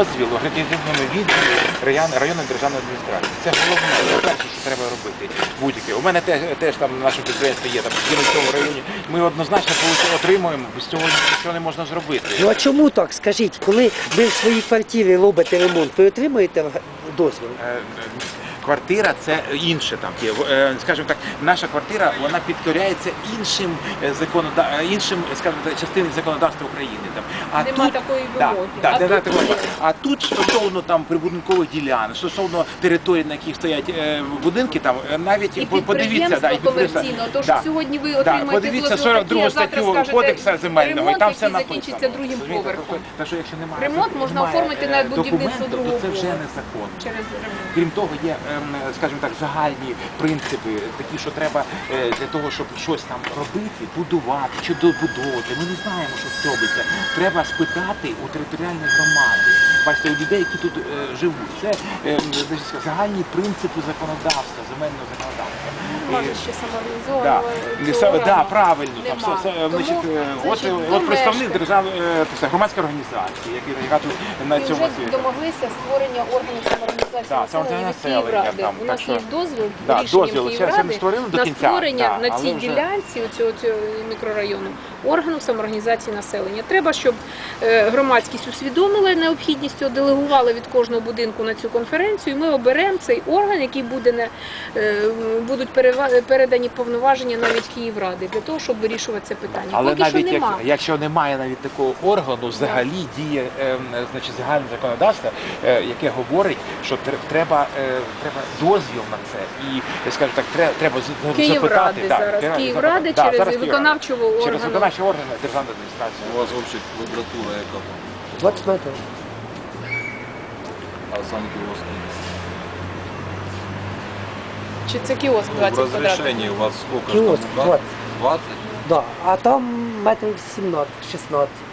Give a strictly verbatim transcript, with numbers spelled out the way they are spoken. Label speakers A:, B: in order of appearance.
A: дозвіл у акредитаційному відділі районної державної адміністрації. Це головне, це перше, що треба робити. Будь-яке. У мене теж, теж там на нашому підприємстві є там в цьому районі. Ми однозначно отримуємо, без цього нічого не можна зробити.
B: Ну а чому так? Скажіть, коли ви в своїй квартирі робите ремонт, ви отримуєте дозвіл?
A: Квартира – це інше там є. Скажімо так, наша квартира, вона підкоряється іншим законодавством, іншим, скажімо так, частинам законодавства України. Там. А
C: Нема
A: тут,
C: такої
A: да,
C: вимоги.
A: да,
C: А,
A: да,
C: тут
A: да, а тут стосовно там прибудинкових ділянок, стосовно територій, на яких стоять е, будинки, там навіть
C: і
A: подивіться, да, і
C: комерційно. Тож да, сьогодні ви отримаєте
A: да, подивіться
C: дозвіл
A: сорок
C: такий,
A: другу
C: а завтра
A: статтю
C: скажете
A: Кодексу земельного,
C: ремонт,
A: і там все
C: який
A: написано.
C: закінчиться другим поверхом.
A: Так що якщо немає,
C: Ремонт можна
A: немає,
C: оформити на будівництво
A: документу,
C: другого
A: то це вже
C: поверху.
A: незаконно.
C: Через ремонт.
A: Крім того, є, скажімо так, загальні принципи, такі, що треба для того, щоб щось там робити, будувати чи добудовувати. Ми не знаємо, що це робиться. Треба спитати у територіальної громади. Бачите, у людей, які тут е, живуть. Це е, значить, загальні принципи законодавства, земельного законодавства.
C: Може ще самоорганізовано.
A: Да. Да, да, правильно. Там,
C: Нема.
A: все, все, значить, е,
C: значить,
A: от, от представник державної е, громадської організації, який, яка тут на
C: і
A: цьому
C: вже
A: світі.
C: домоглися створення органів самоорганізації
A: Да,
C: населення від
A: самоорганізації
C: Київради.
A: там,
C: У
A: так
C: нас
A: що-
C: є дозвіл
A: Да,
C: рішенням
A: дозвіл. Це- це
C: Київради
A: не створили до
C: на
A: кінця,
C: створення
A: да,
C: на
A: але
C: цій
A: вже-
C: ділянці цього, цього мікрорайону органу самоорганізації населення. Треба, щоб е, громадськість усвідомила необхідність цього, делегували від кожного будинку на цю конференцію. І ми оберемо цей орган, який буде не е, будуть перева- передані повноваження навіть Київради для того, щоб вирішувати це питання.
A: Але
C: Поки що
A: навіть як,
C: нема.
A: якщо немає навіть такого органу, взагалі діє е, значить, загальне законодавство, е, яке говорить, що тр- треба, е, треба дозвіл на це. І, я скажу так, треба, треба з-
C: Київради
A: запитати.
C: зараз.
A: треба
C: Київради
A: запитати.
C: через
A: зараз
C: виконавчого
A: Київрада. Через
C: органу.
A: виконавчі органи державної адміністрації.
D: У вас вообще квадратура яка?
B: двадцять метрів.
D: А сам киоск?
C: Чи це кіоск
D: Ну, в
C: двадцять квадратів?
D: разрешении у вас сколько?
B: Киоск
D: ж там?
B: двадцать.
D: двадцать?
B: Да. А там метрів сімнадцять шістнадцять.